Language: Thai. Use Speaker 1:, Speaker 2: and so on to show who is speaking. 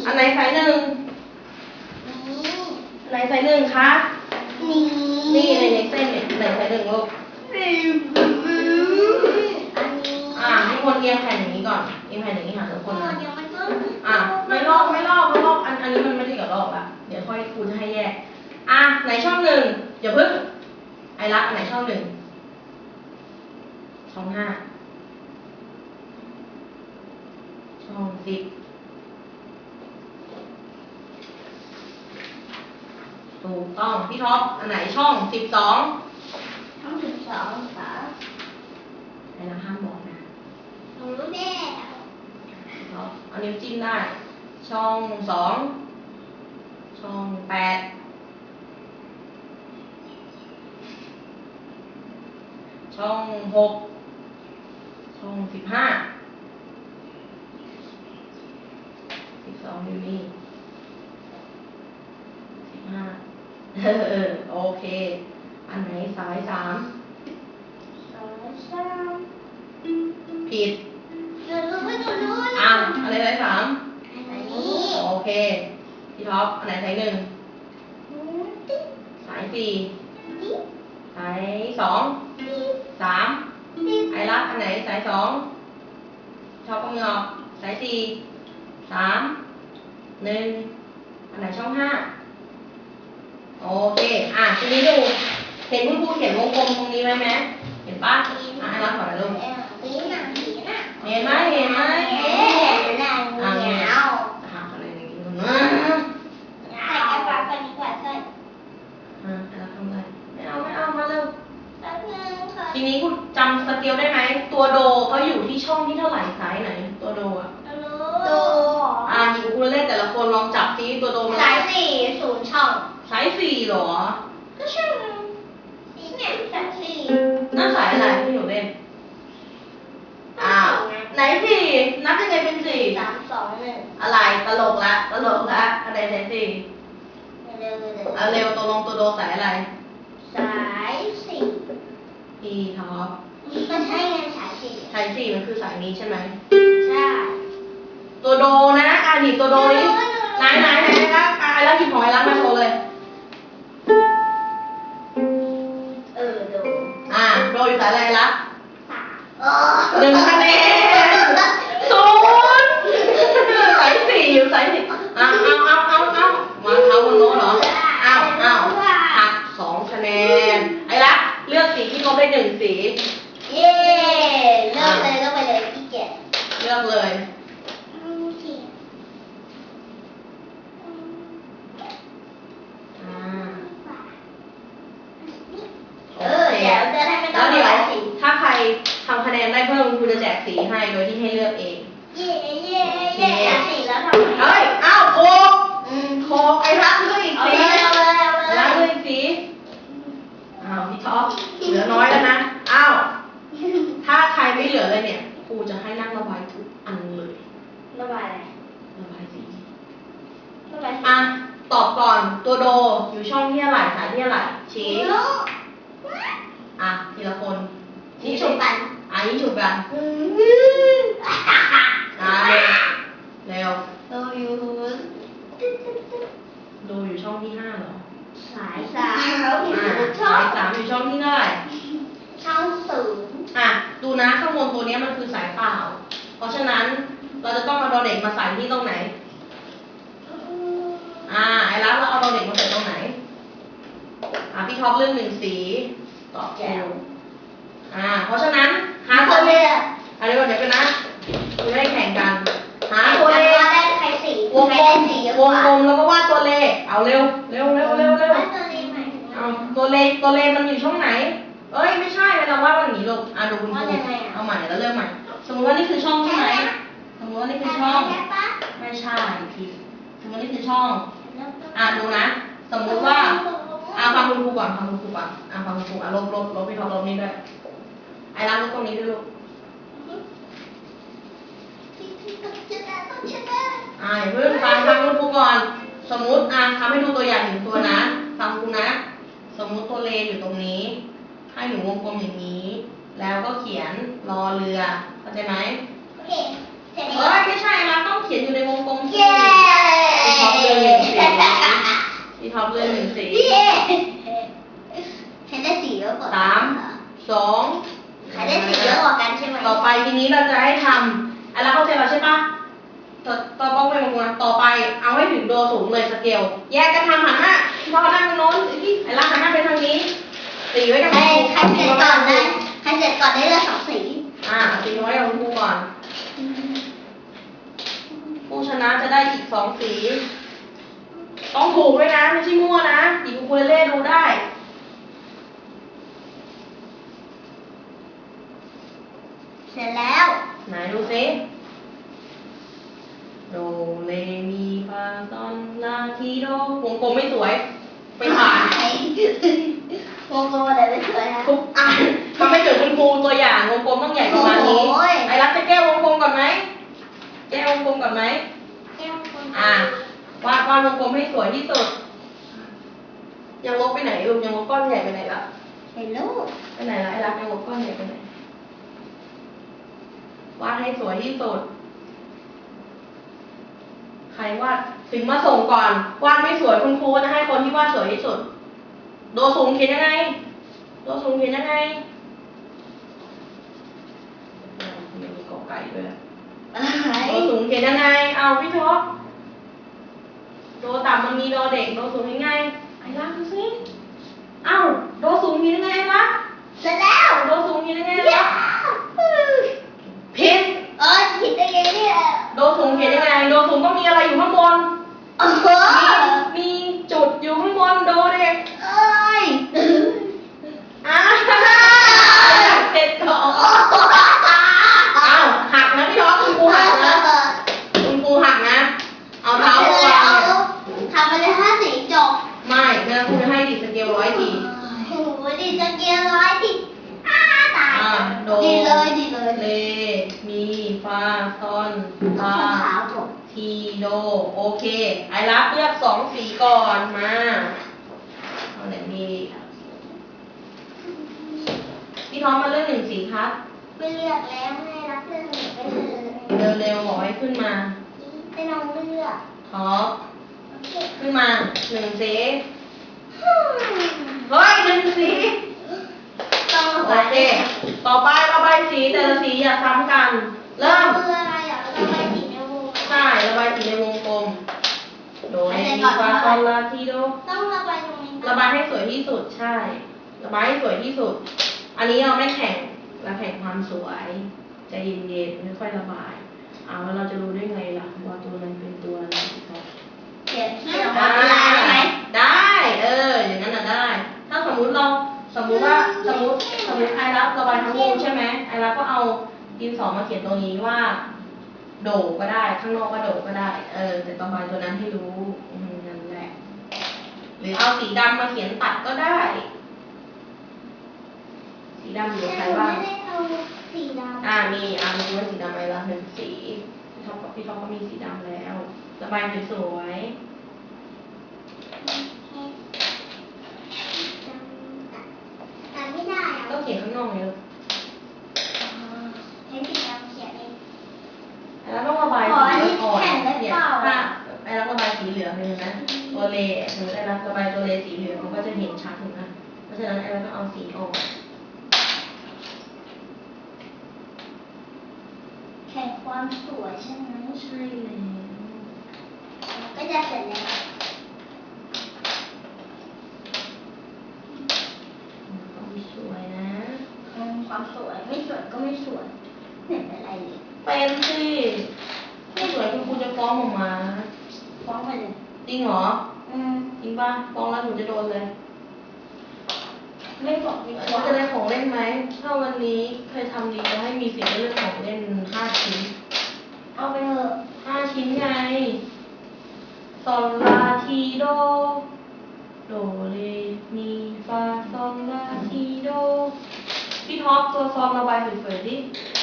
Speaker 1: อันไหนสายหนึ่งอันไหนสายหนึ่งคะนี่ในเส้นเนี่ยไหนสายหนึ่งลูกให้คนเอียงแผ่นอย่างนี้ก่อนเอียงแผ่นอย่างนี้หาทุกคนนะไม่ลอกอันนี้มันไม่ได้กับลอกละเดี๋ยวค่อยครูจะให้แยกไหนช่องหนึ่งอย่าเพิ่งไอรักอันไหนช่องหนึ่งช่อง5ช่อง10ถูกต้องพี่ท็อปอันไหนช่อง12
Speaker 2: ช่อง12ค่ะ
Speaker 1: ไอรักห้ามบอกนะ
Speaker 2: หนูรู้แล้ว
Speaker 1: เอานิ้วจิ้มได้ช่อง2ช่อง8ช่อง6ช่อง15 12อยู่นี่15โอเคอันไหนสาย3ผิดอะไรสาย3โอเคพี่ท็อปอันไหนสาย1สาย4สาย2 3ไอรักอันไหนสาย2ชอบก็มือออกสาย4 3 1อันไหนช่อง5โอเคทีนี้ดูเห็นคุณครูเขียนวงกลมตรงนี้ไหมเห็นปะไอรักขอหน่อยลูกเห็นไหมเนี่ยอะไรอย่างงี้แล้วทำไรไม่เอามาเร็วทีนี้คุณจำสเกลได้ไหมตัวโดเขาอยู่ที่ช่องที่เท่าไหร่สายไหนตัวโดหญิงคุณเล่นแต่ละคนลองจับซิตัวโดมัน
Speaker 2: สาย4 0 ช่อง
Speaker 1: สาย4หรอ
Speaker 2: ก็ใช่เนี่ยสาย4
Speaker 1: นั่นสายอะไรที่หนูเล่นไหน4นับยังไงเป็น4
Speaker 2: 3 2 1
Speaker 1: อะไรตลกละอะไรสาย4เร็วตัวโดสายอะไร
Speaker 2: สาย4
Speaker 1: พี่ท็อป
Speaker 2: ก็ใช่ไงสาย
Speaker 1: 4มันคือสายนี้ใช่ไหม
Speaker 2: ใช่
Speaker 1: ตัวโดนะหยิบตัวโดนี้ไหนนะแล้วหยิบของไอ้รักมาโชว์เลยโดอยู่สายอะไรล่ะ1 คะแนน0สาย4อยู่สาย4เอามาเท้าบนโน้ตเหรอหัก2 คะแนนไอ้รักเลือกสีที่เขาได้1 สี
Speaker 2: เย้เลือกไปเลยพี่เกด
Speaker 1: เลือกเลยแล้วเดี๋ยวถ้าใครทำคะแนนได้เพิ่มคุณจะแจกสีให้โดยที่ให้เลือกเอง
Speaker 2: สีแล้วทำไง
Speaker 1: โคกไอ้รักเลือกอีกสีรักเลือกอีกสีพี่ท็อปเหลือน้อยแล้วนะถ้าใครไม่เหลือเลยเนี่ยครูจะให้นั่งระบายทุกอันเลย
Speaker 2: ระบายอะไร
Speaker 1: ระบายสีตอบก่อนตัวโดอยู่ช่องที่เท่าไหร่สายที่เท่าไหร่ชี้ทีละคน
Speaker 2: ชี้ฉุบกัน
Speaker 1: ชี้ฉุบกันเร็ว
Speaker 2: โด
Speaker 1: อยู่ช่องที่5เหรอ
Speaker 2: สาย3
Speaker 1: อยู่ช่องที่เท่าไหร่
Speaker 2: ช่อง0
Speaker 1: ดูนะข้างบนตัวนี้มันคือสายเปล่าเพราะฉะนั้นเราจะต้องเอาดอเด็กมาใส่ที่ตรงไหนไอ้รักเราเอาดอเด็กมาใส่ตรงไหนพี่ท็อปเลือก1 สีตอบแก้วเพราะฉะนั้นหาตัวเลขเดี๋ยวกันนะคุณไม่ได้แข่งกันหาตัวเลขวงกลมแล้วก็วาดตัวเลขเอาเร็วตัวเลขมันอยู่ช่องไหนไม่ใช่เราวาดมันอย่างนี้ลูกดูคุณครูเอาใหม่แล้วเริ่มใหม่สมมติว่านี่คือช่องใช่ไหมสมมติว่านี่คือช่องไม่ใช่ผิดสมมตินี่คือช่องดูนะสมมติว่าฟังคุณครูก่อนฟังคุณครูลบพี่ท็อปลบนี้ด้วยไอ้รักลบตรงนี้ด้วยลูกเพื่อนฟังคุณครูก่อนสมมติทำให้ดูตัวอย่าง1 ตัวนะฟังครูนะสมมติตัวเลอยู่ตรงนี้ให้หนูวงกลมอย่างนี้ แล้วก็เขียนรอเรือเข้าใจไหม
Speaker 2: โอเค
Speaker 1: ไม่ใช่นะต้องเขียนอยู่ในวงกลม
Speaker 2: เย้
Speaker 1: จะให้ทำไอ้รักเข้าใจเราใช่ปะต่อป้องไปวงต่อไปเอาให้ถึงโดสูงเลยสเกลแยกกันทำหันหน้าพ่อนั่งตรงโน้นไอ้รักหันหน้าไปทางนี้สีไว้กับ
Speaker 2: ใคร
Speaker 1: ครู
Speaker 2: เสร็จก่อนได้ใครเสร็จก่อนได้เลือก2 สี
Speaker 1: สีไว้กับครูก่อนผู้ชนะจะได้อีก2 สีต้องถูกด้วยนะไม่ใช่มั่วนะหยิบอูคูเลเล่ดูได้
Speaker 2: เสร็จแล้ว
Speaker 1: ไหนดูซิโดเรมีฟาซอนลาทีโดวงกลมไม่สวยไปผ่าน
Speaker 2: วงกลมอะไรไม่สวยนะ
Speaker 1: ทุกอันทำให้เกิดคุณครูตัวอย่างวงกลมต้องใหญ่ประมาณนี้
Speaker 2: โอ้ย
Speaker 1: ไอ้รักจะแก้วงกลมก่อนไหมแก้วงกลมก่อนไหม
Speaker 2: แก้วกลม
Speaker 1: วาดวงกลมให้สวยที่สุดยังลบไปไหนลูกยังลบก้อนใหญ่ไปไหนล่ะ
Speaker 2: เห็นลูก
Speaker 1: ไปไหนล่ะไอ้รักยังลบก้อนใหญ่ไปไหนวาดให้สวยที่สุดใครวาดถึงมาส่งก่อนวาดไม่สวยคุณครูจะให้คนที่วาดสวยที่สุดโดสูงเขียนยังไงโดสูงเขียนยังไงไม่มีกอไก่ด้วยล่ะ
Speaker 2: อะไร
Speaker 1: โดสูงเขียนยังไงเอาพี่ท็อปโดต่ำมันมีโดเด็กโดสูงยังไงไอ้รักดูสิเอ้าโดสูงมียังไงวะ
Speaker 2: เสร็จแล้ว
Speaker 1: โดสูงมียังไง
Speaker 2: ย้าว
Speaker 1: ผิด
Speaker 2: ผิดได้ไงเนี่ย
Speaker 1: โดสูงเขียนยังไงโดสูงต้องมีอะไรอยู่ข้างบน
Speaker 2: โอ้โห
Speaker 1: มีจุดอยู่ข้างบนโดเด็ก
Speaker 2: เอ้ย
Speaker 1: อ้าวเด็กก่อนอ้าวหักนะพี่ท็อปคุณครูหักนะคุณครูหักนะเอาเท้ามาวางเนี่ย
Speaker 2: ทำไปเลย5 สีจบ
Speaker 1: ไม่แม่ครูจะให้ดีดสเกล100 ที
Speaker 2: โอ้โหดีจะเกียร์100 ทีตาย
Speaker 1: โด
Speaker 2: ดีเลยดีเลย
Speaker 1: เลมีฟาซอนลา
Speaker 2: ขาวจบ
Speaker 1: ทีโดโอเคไอรับเลือก2 สีก่อนมาเอาไหนดีพี่ท็อปมาเลือก1 สีครับ
Speaker 2: ไม่เลือกแล้วให้รับเลือกหนึ่งไปเลย
Speaker 1: เร็วๆบอกให้ขึ้นมา
Speaker 2: ไปลองเลือก
Speaker 1: ท็อป
Speaker 2: โอเค
Speaker 1: ขึ้นมา1 สีเฮ้ย1 สี
Speaker 2: ต้องระ
Speaker 1: โอบ
Speaker 2: าย
Speaker 1: เคต่อไประบายสีแต่ละสีอย่าซ้ำกัน เริ่ม
Speaker 2: คืออะไรอ่ะระบายสีในวง
Speaker 1: ใช่ระบายสีในวงกลมโดยมีฟาซอนลาทีโด
Speaker 2: ต้องระบายตรงนี้
Speaker 1: ระบายให้สวยที่สุดใช่ ระบายให้สวยที่สุด อันนี้เราไม่แข่งเราแข่งความสวยใจเย็นๆค่อยๆระบายแล้วเราจะรู้ได้ไงล่ะว่าตัวนั้นเป็นตัวอะไรครับ
Speaker 2: เขียนออกมาเป็นลายได้ไหม
Speaker 1: ได้อย่างนั้นน่ะได้ ถ้าสมมุติว่าสมมติไอรับระบายทั้งวงใช่ไหมไอรับก็เอาดินสอมาเขียนตรงนี้ว่า โดก็ได้ข้างนอกก็โดก็ได้แต่ระบายตัวนั้นให้รู้นั่นแหละหรือเอาสีดำมาเขียนตัดก็ได้ สีดำอยู่กับใครบ้าง
Speaker 2: ไม่ได้เอาสีดำ
Speaker 1: มีดูว่าสีดำไอรับ1 สีพี่ท็อปก็มีสีดำแล้ว ระบายสวยๆ
Speaker 2: ไม่ได้
Speaker 1: ก็เขียนข้างนอกเลย
Speaker 2: ให้สีดำเขียนเอง
Speaker 1: แล้วต้องระบาย
Speaker 2: ขออันนี้
Speaker 1: อ่อน
Speaker 2: แข่งได้
Speaker 1: เนี่ย
Speaker 2: เปล่า
Speaker 1: ถ้าไอ้รับระบายสีเหลืองเลยนะตัวเลหรือไอ้รับระบายตัวเลสีเหลืองมันก็จะเห็นชัดถูกไหมเพราะฉะนั้นไอ้รับต้องเอาสีอ่อน
Speaker 2: แข่งความสวยใช่ไหม
Speaker 1: ใช่แล้ว
Speaker 2: ก็จะเสร็จแล้ว
Speaker 1: ต้องสวยนะ
Speaker 2: ความสวยไม่สวยก็ไม่สวยไม่เป็นไรเลย
Speaker 1: เป็นสิไม่สวยคุณครูจะฟ้องออกมา
Speaker 2: ฟ้องไปเลย
Speaker 1: จริงเหรอ
Speaker 2: อืม
Speaker 1: จริงป่ะฟ้องแล้วหนูจะโดนเลย
Speaker 2: ไม่บอกดีก
Speaker 1: หนู
Speaker 2: ว่า
Speaker 1: จะได้ของเล่นไหมถ้าวันนี้เคยทำดีจะให้มีสิทธิ์ได้เลือกของเล่น5 ชิ้น
Speaker 2: เอาไปเถอะ
Speaker 1: 5 ชิ้นไงซอลลาทีโด โดเรมีฟาซอลลาทีโด พี่ท็อปตัวซองระบายสวยๆดิ